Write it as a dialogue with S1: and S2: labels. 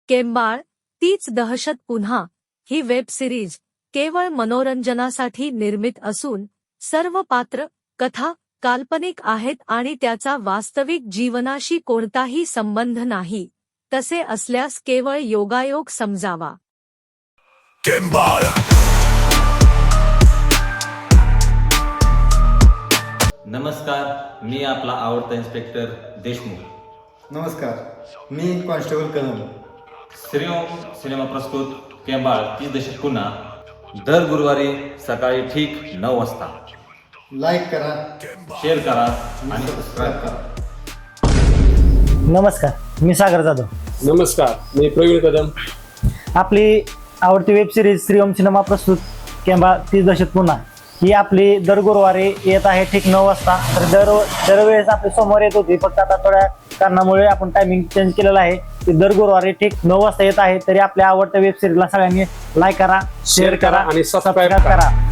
S1: केंबाळ तीच दहशत पुन्हा ही वेब सिरीज केवळ मनोरंजनासाठी निर्मित असून सर्व पात्र कथा काल्पनिक आहेत आणि त्याचा वास्तविक जीवनाशी कोणताही संबंध नाही। तसे असल्यास केवळ योगायोग समजावा।
S2: नमस्कार, मी आपला आवडता इन्स्पेक्टर देशमुख।
S3: नमस्कार, मी कॉन्स्टेबल कदम।
S2: श्रीओम सिनेमा प्रस्तुत केंबाळ 30 दशक पुन्हा दर गुरुवारी सकाळी ठीक 9 वाजता।
S3: लाईक करा,
S2: शेअर करा आणि सबस्क्राईब करा।
S4: नमस्कार, मी सागर जाधव।
S5: नमस्कार, मी प्रवीण कदम।
S4: आपली आवडती वेब सिरीज श्रीओम सिनेमा प्रस्तुत केंबाळ 30 दशक पुन्हा ही आपली दर गुरुवारी येत आहे ठीक 9 वाजता। तर दरवेळेस आपली सोमवार येत होती, फक्त आता थोड्या कारणामुळे आपण टायमिंग चेंज केलेला आहे। ती दर गुरुवारी ठीक 9 वाजता येत आहे। तरी आपल्या आवडत्या वेब सिरीजला सगळ्यांनी लाईक करा, शेअर करा आणि सबस्क्राईब करा।